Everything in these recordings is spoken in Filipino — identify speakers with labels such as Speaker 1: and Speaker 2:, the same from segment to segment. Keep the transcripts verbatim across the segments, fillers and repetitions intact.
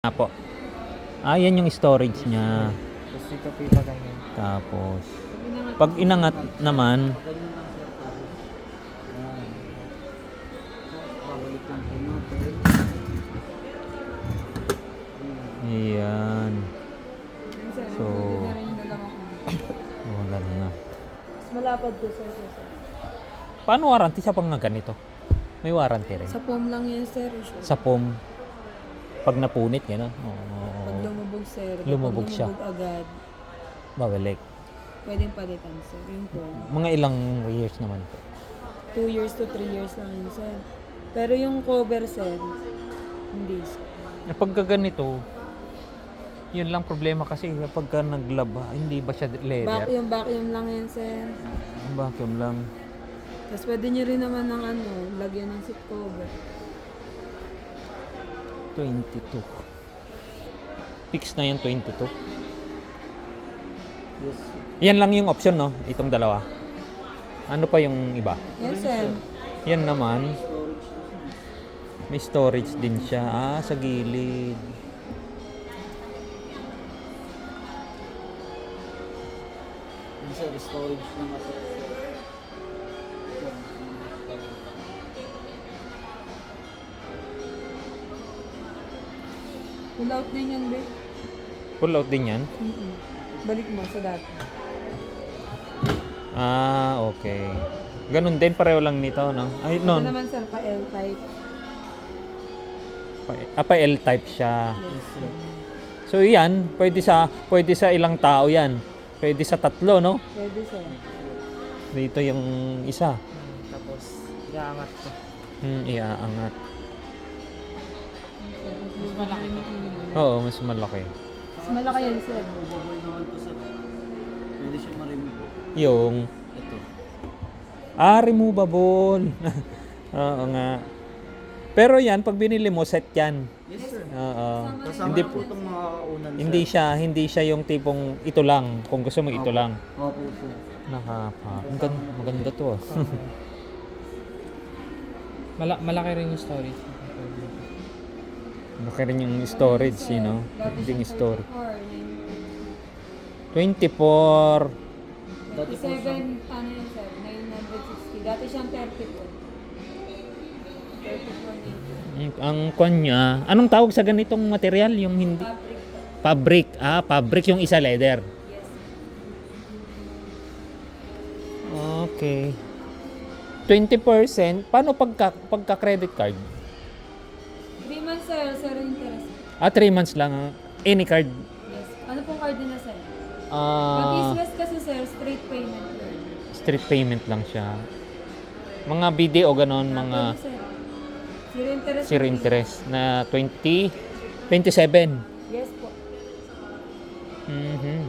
Speaker 1: Ah, po. Ah, yan yung storage niya.
Speaker 2: Tapos ito po yung ganyan.
Speaker 1: Tapos, pag inangat naman,
Speaker 2: Babalik lang po natin.
Speaker 1: ayan. So, wala na.
Speaker 3: Malapad po sir, sir, sir.
Speaker 1: Paano warranty sa pang ganito? May warranty rin.
Speaker 3: Sa foam lang yan sir.
Speaker 1: Sa foam, pag napunit, gano'n.
Speaker 3: Pag
Speaker 1: Oo.
Speaker 3: lumubog sir,
Speaker 1: Lumubog
Speaker 3: pag
Speaker 1: siya.
Speaker 3: lumubog agad,
Speaker 1: Babalik.
Speaker 3: pwedeng palitan sir. Yung foam.
Speaker 1: Mga ilang years naman po.
Speaker 3: Two years to three years lang yun sir. Pero yung cover sir, hindi sir.
Speaker 1: Pagka ganito, yun lang problema kasi pagka naglaba, hindi ba siya leather?
Speaker 3: Vacuum, vacuum lang yan sir.
Speaker 1: Vacuum lang.
Speaker 3: Tapos pwede nyo rin naman ng ano, lagyan ng seat cover.
Speaker 1: twenty-two. Fix na yan, twenty-two.
Speaker 2: Yes.
Speaker 1: Yan lang yung option, no? Itong dalawa. Ano pa yung iba?
Speaker 3: Yes sir.
Speaker 1: Yan naman, may storage din siya. Ah, sa gilid.
Speaker 2: Yung sir, storage na kasi.
Speaker 3: Pull out din yan be.
Speaker 1: Pull out din yan?
Speaker 3: Mm-mm. Balik mo sa dati.
Speaker 1: Ah, okay. Ganun din, pareho lang nito, no? Ay,
Speaker 3: Ito
Speaker 1: no.
Speaker 3: naman sir, pa L-type.
Speaker 1: Pa- Ah, pa L-type siya.
Speaker 3: Yes sir.
Speaker 1: So, yan, pwede sa, pwede sa ilang tao yan. Pwede sa tatlo, no?
Speaker 3: Pwede sir.
Speaker 1: Dito yung isa.
Speaker 2: Hmm, tapos, iangat ko.
Speaker 1: Hmm, iaangat.
Speaker 3: Mas malaki.
Speaker 1: Oo, mas malaki.
Speaker 3: Mas malaki yan sir.
Speaker 2: Movable naman po sir. Pwede siya ma-remove.
Speaker 1: Yung,
Speaker 2: Ito.
Speaker 1: ah, removable. Oo nga. Pero yan, pag binili mo, set yan.
Speaker 2: Yes sir.
Speaker 1: Oo.
Speaker 2: Kasama
Speaker 1: Hindi
Speaker 2: na po
Speaker 1: po.
Speaker 2: itong mga unan
Speaker 1: Hindi siya, hindi siya yung tipong ito lang. Kung gusto mo, ito
Speaker 2: Opo.
Speaker 1: lang.
Speaker 2: Opo po.
Speaker 1: Nakapa. Ang ganda, maganda to ah.
Speaker 4: Mala malaki rin yung storage.
Speaker 1: Malaki rin yung storage, you know.
Speaker 3: Dati
Speaker 1: Yung
Speaker 3: siya
Speaker 1: storage.
Speaker 3: thirty-four,
Speaker 1: twenty-four.
Speaker 2: Dati po siya.
Speaker 3: thirty-seven, ano yun sir, nine sixty. Dati siyang thirty-four. thirty-four
Speaker 1: Yung- Ang kwan niya, anong tawag sa ganitong material? Yung hindi?
Speaker 3: fabric
Speaker 1: Fabric.
Speaker 3: po.
Speaker 1: Ah, fabric yung isa leather.
Speaker 3: Yes.
Speaker 1: Okay. twenty percent. Paano pagka, pagka credit card?
Speaker 3: three months sir, sir interest.
Speaker 1: Ah, three months lang. ah. Any card.
Speaker 3: Yes. Ano pong card din na sir? Pag
Speaker 1: Ah,
Speaker 3: East West kasi sir, straight payment sir.
Speaker 1: street payment lang siya. Mga B D o ganon, mga
Speaker 3: Pwede, sir. Zero interest.
Speaker 1: zero interest na twenty, twenty-seven.
Speaker 3: Yes po.
Speaker 1: Mhm.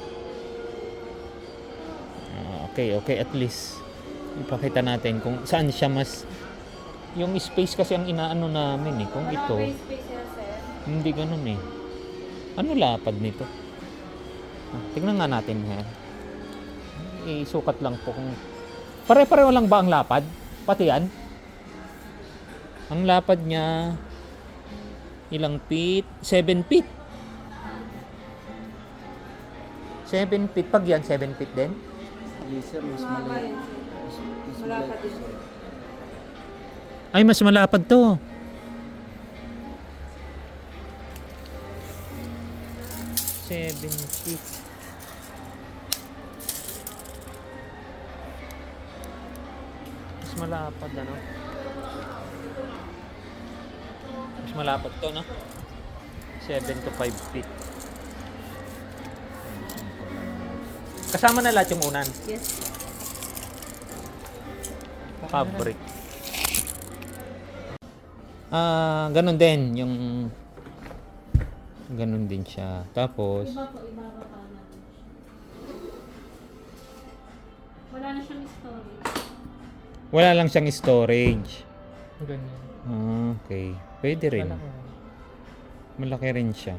Speaker 1: Ah, okay, okay, at least ipakita natin kung saan siya mas yung space kasi ang inaano namin eh kung
Speaker 3: Wala
Speaker 1: ito
Speaker 3: pa yung space sir, sir.
Speaker 1: hindi ganun eh. Ano lapad nito? Ah, tingnan nga natin ha. Isukat lang po kung pare-pareho lang ba ang lapad? Pati yan? Ang lapad niya ilang feet? seven feet. seven feet. Pag yan, seven feet din?
Speaker 2: Yes sir, mas
Speaker 3: Mahaba
Speaker 2: mali.
Speaker 3: yan sir.
Speaker 2: Mas, mas
Speaker 3: Wala
Speaker 2: mali.
Speaker 3: pa din sir.
Speaker 1: Ay, mas malapad to. seven feet. Mas malapad ano? Mas malapad to, no? seven to five feet. Kasama na lahat yung unan.
Speaker 3: Yes.
Speaker 1: Fabric. Ah, ganun din yung ganun din siya. Tapos
Speaker 3: Iba po, iba pa pa natin. Wala na siyang storage.
Speaker 1: wala lang siyang storage.
Speaker 4: Ganyan.
Speaker 1: Ah, okay. Pwede rin.
Speaker 4: Malaki.
Speaker 1: Malaki rin siya.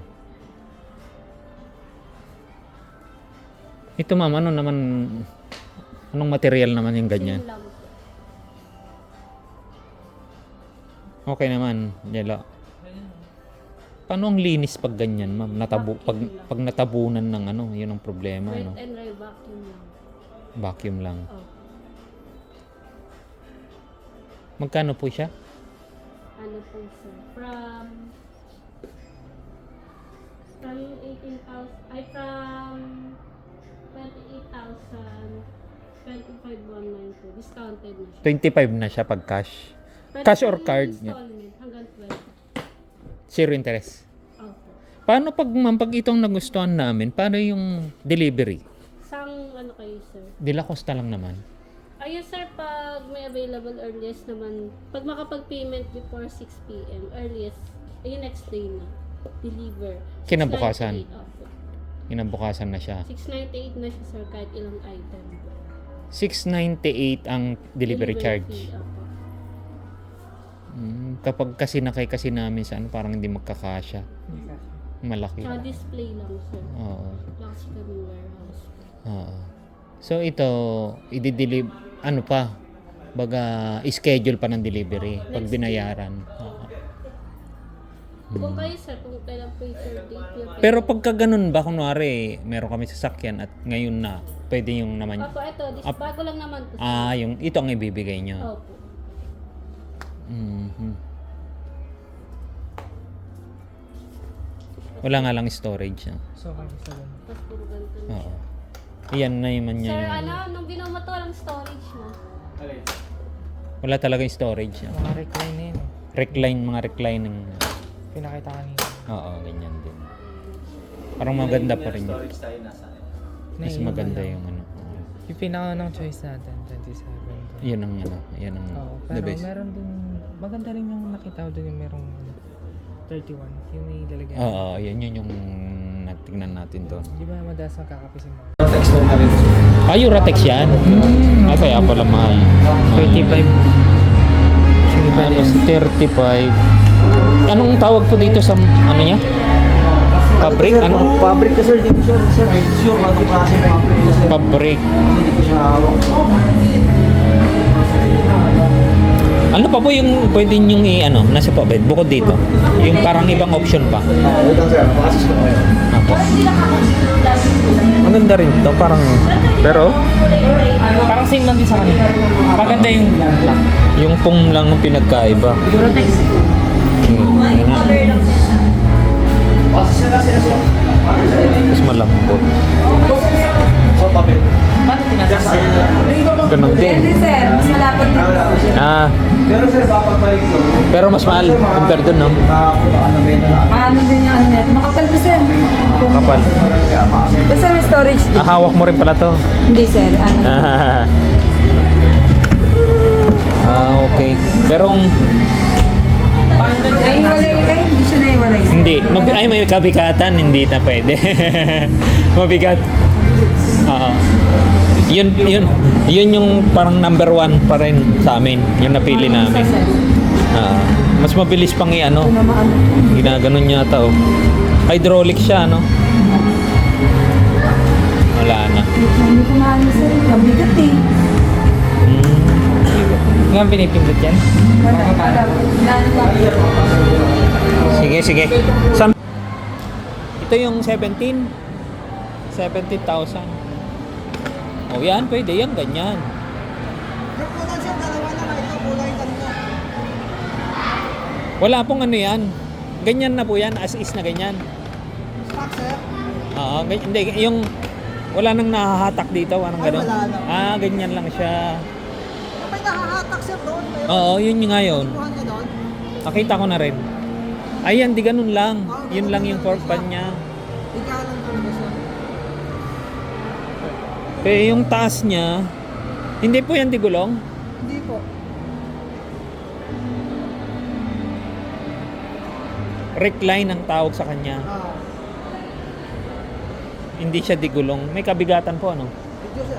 Speaker 1: Ito ma'am, ano naman anong material naman yung ganyan?
Speaker 3: Same lang po.
Speaker 1: Okay naman, yelo. Paano ang linis pag ganyan, ma'am? Natabu pag pag natabunan ng ano, 'yun ang problema,
Speaker 5: Wet
Speaker 1: no?
Speaker 5: and dry vacuum lang.
Speaker 1: Vacuum lang.
Speaker 5: Oh.
Speaker 1: Magkano po siya?
Speaker 5: Ano po sir? From from eighteen thousand ay from twenty-eight thousand twenty-five one nine two discounted na siya.
Speaker 1: twenty-five na siya pag cash.
Speaker 5: Pwede
Speaker 1: Cash or
Speaker 5: po yung
Speaker 1: card?
Speaker 5: installment hanggang twenty.
Speaker 1: Zero interest.
Speaker 5: Opo.
Speaker 1: Paano pag ma'am, pag itong nagustuhan namin, paano yung delivery?
Speaker 5: Sang ano kayo sir?
Speaker 1: Dila costa lang naman.
Speaker 5: Ayun sir, pag may available earliest naman, pag makapag-payment before six p.m. earliest, ayun next day na. Deliver.
Speaker 1: Kinabukasan.
Speaker 5: six ninety-eight, opo.
Speaker 1: Inabukasan na siya.
Speaker 5: six ninety-eight na siya sir kahit ilang item.
Speaker 1: six ninety-eight ang delivery, charge.
Speaker 5: fee, opo.
Speaker 1: Mm, kapag kasi nakay kasi namin sa ano, parang hindi magkakasya. Malaki.
Speaker 5: Tsaka display lang sir.
Speaker 1: Oo.
Speaker 5: Wala kasi kami warehouse.
Speaker 1: Oo. So ito, i-deliver, ano pa, baga, schedule pa ng delivery pag binayaran. Oo.
Speaker 5: Kung kayo sir, kung kailan po yung third date niyo.
Speaker 1: Hmm. Pero pagka ganun ba, kunwari, meron kami sasakyan at ngayon na, pwede yung naman,
Speaker 5: Opo, ito, dis-
Speaker 1: Up-
Speaker 5: bago lang naman po. sir.
Speaker 1: ah, yung, ito ang ibibigay nyo.
Speaker 5: Opo.
Speaker 1: Mhm. Wala nga lang storage. No?
Speaker 4: So, okay sa ganun.
Speaker 5: Tapos puro ganito na.
Speaker 1: Oo. Iyan na yung
Speaker 5: Sir,
Speaker 1: niya.
Speaker 5: ano, nung binuo mo to, walang storage mo.
Speaker 1: Wala talaga yung storage. No?
Speaker 4: Mga recline na yun. eh.
Speaker 1: Recline, mga reclining.
Speaker 4: Pinakita kanina.
Speaker 1: Oo, ganyan din. Parang maganda pa rin yun.
Speaker 2: Storage tayo nasa.
Speaker 1: Mas
Speaker 4: Naiiwan
Speaker 1: maganda
Speaker 4: lang.
Speaker 1: yung ano. oo.
Speaker 4: Yung pinakaunang choice natin, twenty-seven.
Speaker 1: Yan ang ano, yan ang
Speaker 4: Oo,
Speaker 1: the
Speaker 4: pero
Speaker 1: best.
Speaker 4: meron din, maganda rin yung nakita ko dun yung merong ano, thirty-one. Yung may lalagyan.
Speaker 1: Oo, yan yun yung natignan natin doon.
Speaker 4: Di ba madalas magkakape si mga?
Speaker 2: Text mo na rin.
Speaker 1: Ah, Euratex yan? Ah, kaya pala mahal.
Speaker 4: twenty-five.
Speaker 1: Tapos thirty-five. Anong tawag po dito sa ano niya? Fabric? Ano?
Speaker 2: Fabric ka sir, dito sir. Sir, sure, anong klase fabric ka sir?
Speaker 1: Fabric.
Speaker 2: Hindi ko siya hawak.
Speaker 1: Ano pa po yung pwede nyong i-ano, nasa pa bed, bukod dito? Yung parang ibang option pa.
Speaker 2: Ah, wait lang sir, makasis ko ngayon.
Speaker 1: Apo. Maganda rin to, parang, pero
Speaker 4: Parang same lang din sa kanila. Maganda yung black.
Speaker 1: yung pong lang ang pinagkaiba. Hmm, yun nga. Mas malambot.
Speaker 2: So, papel.
Speaker 1: Ganun din.
Speaker 3: sir, mas malapit dito.
Speaker 1: Ah,
Speaker 2: Pero sir, papagpalig ko.
Speaker 1: pero mas mahal compare dun, no?
Speaker 2: Ano ba yun na?
Speaker 3: Ano din yung ano net? Makapal po sir.
Speaker 1: Kapal.
Speaker 3: Basta may storage din.
Speaker 1: Ah, hawak mo rin pala to.
Speaker 3: Hindi sir, ano.
Speaker 1: Ah, okay. Pero kung
Speaker 3: Ay, wala kayo, hindi siya naiwalay.
Speaker 1: hindi, mag ay may kabigatan, hindi na pwede. Mabigat. Oo. Yun, yun, yun yung parang number one pa rin sa amin, yung napili namin. Ah, mas mabilis pang i-ano. Ginaganon yata, oh. Hydraulic siya, no? Wala na.
Speaker 3: Hindi ko maano sir, mabigat eh.
Speaker 1: Hmm.
Speaker 4: Ngayon pinipindot yan?
Speaker 3: Wala, wala. Lalo lang.
Speaker 1: Sige, sige. Sam Ito yung seventeen. seventeen thousand. O yan, pwede yan, ganyan. Wala pong ano yan. Ganyan na po yan, as is na ganyan. Oo, ganyan, hindi, yung wala nang nahahatak dito, walang gano'n. Ah, ganyan lang siya.
Speaker 6: May nakahatak sir doon. May
Speaker 1: Oo, yun yung ngayon.
Speaker 6: kuhan niya doon.
Speaker 1: Nakita ko na rin. Ayan, di ganun lang. Yun lang yung fork pan niya.
Speaker 6: Ikaw lang talaga sir.
Speaker 1: Pero yung taas niya, hindi po yan digulong.
Speaker 6: Hindi po.
Speaker 1: Recline ang tawag sa kanya.
Speaker 6: Ah,
Speaker 1: Hindi siya digulong. May kabigatan po, ano?
Speaker 6: video sir.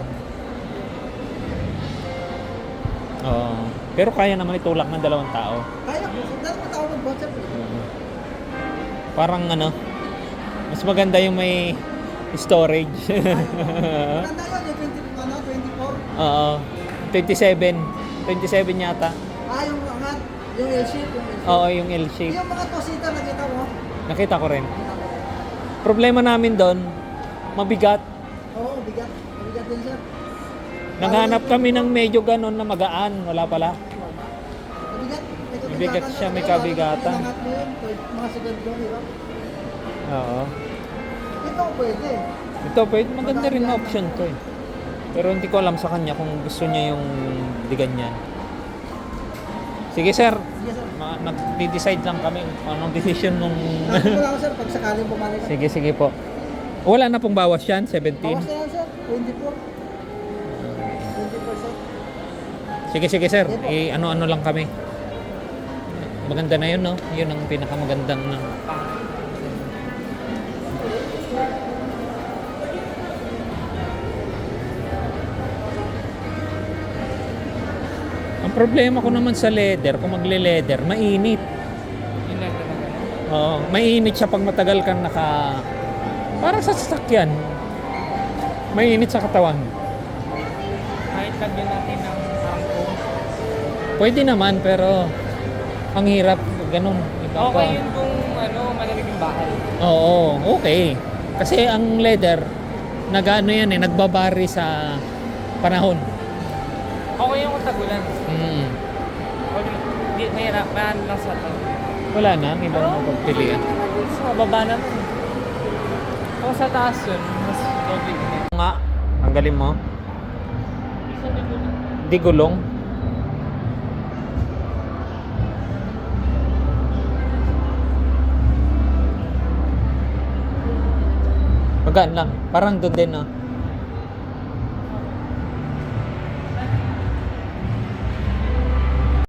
Speaker 1: Oo. Pero kaya naman itulak ng dalawang tao.
Speaker 6: Kaya po. Dahil mo tao mag-bot sir.
Speaker 1: Parang ano, mas maganda yung may storage.
Speaker 6: Maganda yun. Yung twenty, ano, twenty-four.
Speaker 1: Oo. twenty-seven. twenty-seven yata.
Speaker 6: Ah, yung angat. Yung L-shape. Yung L-shape.
Speaker 1: Oo, yung L-shape.
Speaker 6: Yung mga two-seater na kita mo.
Speaker 1: Nakita ko rin. Problema namin doon, mabigat.
Speaker 6: Oo, bigat. Bigat din sir.
Speaker 1: Naghanap kami ng medyo ganon na magaan. Wala pala.
Speaker 6: Mabigat. May
Speaker 1: Mabigat
Speaker 6: kabigatan,
Speaker 1: siya, may
Speaker 6: sir.
Speaker 1: kabigatan.
Speaker 6: Inangat mo yun. Mga segundo, di ba?
Speaker 1: Oo.
Speaker 6: Ito pwede.
Speaker 1: Ito, pwede maganda rin na option to eh. Pero hindi ko alam sa kanya kung gusto niya yung di ganyan. Sige sir,
Speaker 6: Sige sir.
Speaker 1: Ma- nag-decide lang kami kung anong decision nung...
Speaker 6: Sabi ko lang sir, pag sakaling bumalik.
Speaker 1: sige, sige po. Wala na pong bawas yan, seventeen.
Speaker 6: Bawas na yan sir, twenty-four. twenty percent.
Speaker 1: Sige, sige sir, eh, ano-ano lang kami. Maganda na yun, no? Yun ang pinakamagandang na... Ang problema ko naman sa leather, kung magle-leather, mainit.
Speaker 4: Yun lang talaga.
Speaker 1: Oo, mainit siya pag matagal kang naka... Parang sa sasakyan. Mainit sa katawan.
Speaker 4: Kahit lagyan natin ng sampo.
Speaker 1: Pwede naman, pero ang hirap, ganun. Iba pa.
Speaker 4: Okay yun kung ano, malamig yung bahay.
Speaker 1: Oo, okay. Kasi ang leather, nag-ano yan eh, nagbabari sa panahon.
Speaker 4: Okay yung kung tagulan.
Speaker 1: Mm.
Speaker 4: O, di, mahirap, mahan lang sa to.
Speaker 1: Wala na, ang ibang mapagpilian.
Speaker 4: Sa baba naman. Kung sa taas yun, mas doble yun.
Speaker 1: Nga, tanggalin mo. Di gulong. Magaan lang. Parang doon din, no?